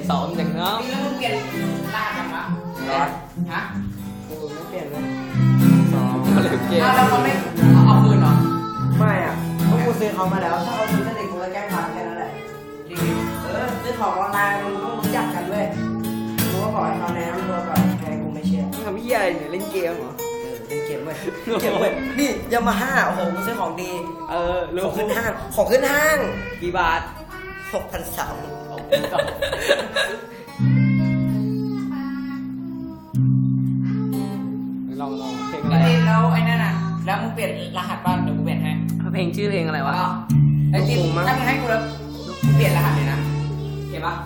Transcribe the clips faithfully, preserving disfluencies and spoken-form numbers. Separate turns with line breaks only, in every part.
สองอย่างเนาะ
นี่แล้วมึงเปลี่ยนรหัสยังวะร้อนฮะกูไม่เปลี่ยนเลยสอง
อะไรเกม
แล้วเขาไม่เอาคืนเหรอ
ไม่อ่ะเพราะกูซื้อเขามาแล้วถ้าเขาซื้อตั้งแต่กูก็แก้พันแค่นั้นแหละ
จริง
เออซื้อของออนไลน์มึงต้องรู้จักกันเว้ยกูก็บอกให้เขาแนะนำตัวก่อนใครกูไม่เชื่อ
ทำเหี้ยอะไรเนี่ยเล่นเกมเหรอ
เออเป็นเก็บเว้ยเก็บเว้ยนี่ยามาฮ่าโอ้โหกูซื้อของดี
เออ
ข
รู้
องขึ้นห้างของขึ้นห้าง
กี่บาท
หกพันสาม
ลองลองเพลง
ๆ
อะไร
นี่แล้วไอ้นั่นน่ะแล้วมึงเปลี่ยนรหัสบ้านเดี๋ยวกูเปลี่ยนให้
เพลงชื่อเพลงอะไรวะ
ก็ไอ้จริงถ้ามึงให้กูแล้วกูเปลี่ยนรหัสเลยนะเห็นปะ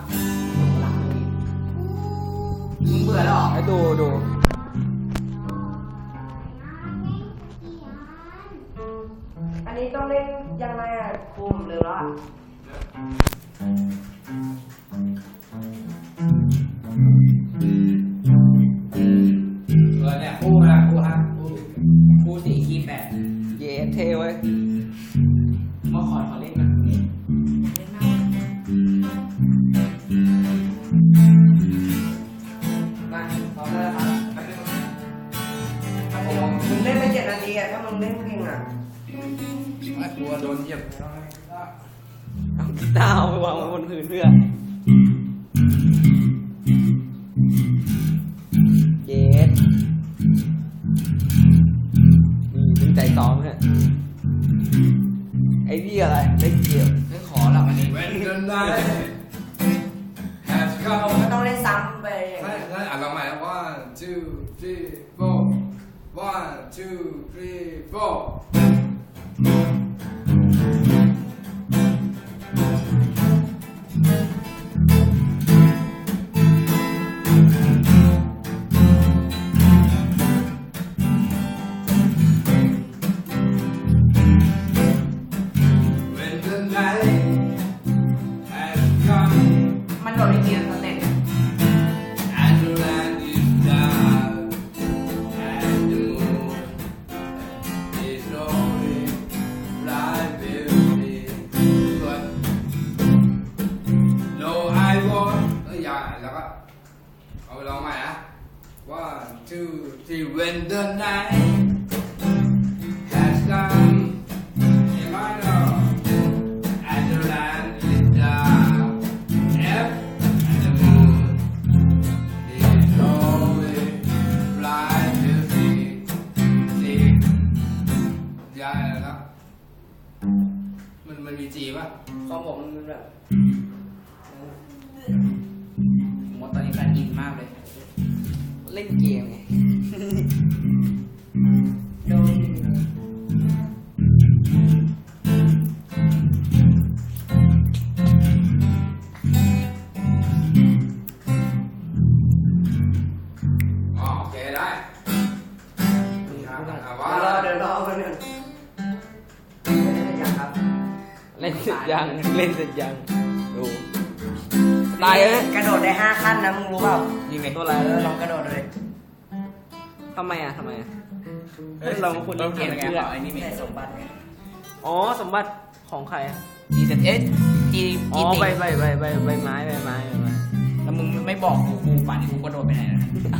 มึงเบื่อแล้วเหรอ
ไอ้ดูดู
อันนี้ต้องเล่นยังไงอ่ะคุมหรือว่า
เออเนี่ยคู่นะคู่ฮะคู่คู่สี่คีย์แปด
เย้เทเว้ย
มาขอขอเล่นกันเล่นมากมาพร้อมแล้วครับครับผม
มึงเล่นไปเจ็ดนาทีอ่ะถ้ามึงเล่นเพลงอ่ะ
ไม่กลัวโดนเหยียบ
เอากีตาร์เอาไปวางไว้บนพื้นเพื่อเย้นี่ตั้งใจซ้อมเนี่ยไอ้พี่อะไรเล่นเกม
ไม่ขอหรอกอันนี้
When the night has come
ก็ต้องเล่นซ้ำไปอย่าง
ใช่
เงี้ย
ใช่อ่านลองใหม่นะ one two three four one two three four
มันโดดในเกียร์สเต็ป
and the land is down and the moon is rolling right beauty but no I won't เอ้ยอย่าแล้วก็เอาไปลองใหม่นะ one two three when the night has come in my love and the land is down F and the moon is always blind to see see ยายอะไรนะมันมันมีจีป่ะ
ของผมมันแบบ
ผมว่าตอนนี้แฟนอินมากเลย
เล่นเกมไง
โดน
อ๋อโอเคได้นี่ครับอ่ะว่า
เดี๋ยวรอเดี๋ยวรอกันหนึ่งไม่ได้ยังครับ
เล่นเสร็จยังเล่นเสร็จยังดูตายเลย
กระโดดได้ห้าขั้นนะมึงรู้เปล่า
ยิงไงตัวอะไร
เออลองกระโดดเลย
ทำไมอ่ะทำไมอ่ะเราคุณ
เรา
เล่น
เป
เก
ลี่ยน
ม
ไง
เพื่อ
เปล่าไอ้นี่มี
ได้สมบัติไง
อ๋อสมบัติของใครอ่ะ
จีเซ็ตเอสจี
อ๋อ
จีติ
ใบใบใบใบใบไม้ใบไม้ใบไม้
แล้วมึงไม่บอกกูกูป่านนี้กูกระโดดไปไหนนะ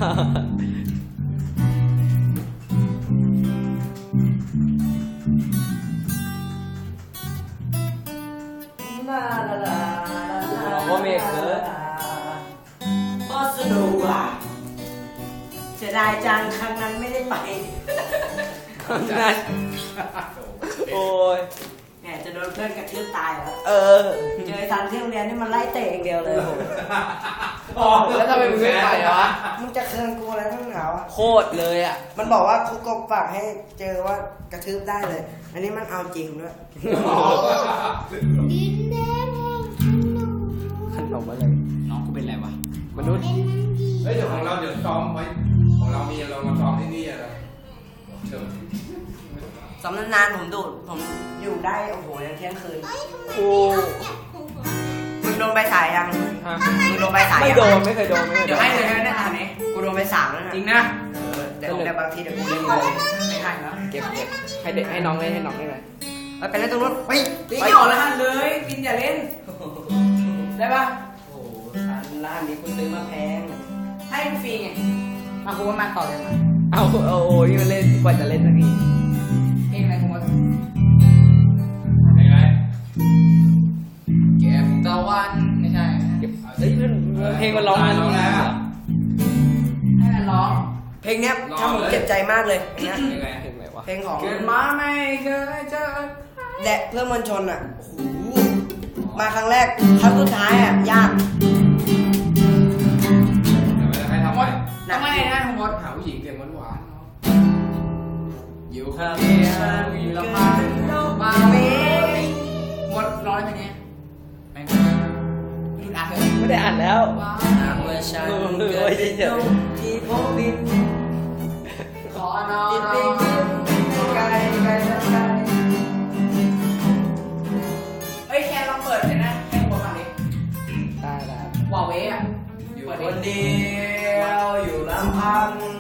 ลาลาลา
โอเมกเกิร์
บอสนุกว่ะเสียดายจังครั้งนั้นไม่ได้ไป
นั่นโอ้ย
แหมจะโดนเพื่อนกระทืบตายแล้ว
เออ
เจอไอ้ซันที่โรงเรียนนี่มันไล่เตะอย่างเดียวเลยโห
อ๋อ
แล้วทำไมมึงไม่ไปวะ
มึงจะเคืองกูอะไรทั้งหนาวะ
โคตรเลยอ่ะ
มันบอกว่าครูกบฝากให้เจอว่ากระทืบได้เลย อันนี้มันเอาจริงด้วย
ดินแดงแห่งขนม
ขนมอะไร
น้องกูเป็นไรวะ
มนุษย์
เป็นมันดี
เฮ้ยเดี๋ยวของเราเดี๋ยวซ้อมไว้ของเรามีเรามาซ้อมที่นี่อะไรเชิญ
สำนักนานผมดูดผมอยู่ได้โอ้โหยันเที่ยงคืน
เอ้ยทำไม
โอ้
เขาเก็บของ
มึงโดนใบสายยัง
ฮะ
มึงโดนใบสาย
ไม่
ยัง
โดนไม่เคยโดนไม่เคยโด
เดี๋ยวน ให้เลยนะเนี่ยอันนี้
กูโดนใบสามแล้วนะ
จริงนะ
เออแต่ผมแต่บางทีเดี๋ยวกูเล่นเลย
ไม่ให้แล้ว
เก็บเก็บให้เด็กให้น้องเล่นให้น้องเล่นเลย
ไปไปเล่นตรงนู้นไป
ตีไม่ออกรหัสเลยกินอย่าเล่น ได้ปะ
โอ้โหฉันลแล้วอันนี้คุณซื้อมาแพง
ให้ฟรีไงมาคุณว่ามาต่อเลยมา
เอาเอาโอ้ยมันเล่นกว่าจะเล่นสักที
เพลงอะไรคุณว่า
เป็นไง
เก็บตะวันไม่ใช่
เก็บเฮ้ยมันเพลงมันร้องมันร้องแล้ว
ให้มันร้อง
เพลงเนี้ยทำผมเจ็บใจมากเลยนะ
เป็นไง
เพลงอะไรวะ
เพลงของ
เกิดมาไม่เคยเจอ
และเพื่อนมวลชนอ่ะโอ้โหมาครั้งแรกครั้งสุดท้ายอ่ะยาก
เดี๋ยวไปให้ทำ
หม
ไม
ดทำไมนะคุณมด
หาผู้หญิงเก่งหวานๆเนาะอยู่ค
เดี
นเดีย
ยว
ว
อ
อยู่
ยู่
ลำ
ลำ
พั
พั
ง
งมาเมหมดร้อยไปเนี้ยไม่หยุดอ่านเลย
ไม่ได้อ่านแล้ว
หากว่าฉัน
เออ
เกิดเป็นนกที่พบบิน
ขอนอ
ติด
น
ไปกินไกลไกลไกลไกล
เฮ้ยแค่ลองเปิดเลยนะให้ผมฟังดิ
ได้ได้
วอลเวอ่ะ
อยู่
เปิด
ค
ดิ
นเดียวอยู่ลำพัง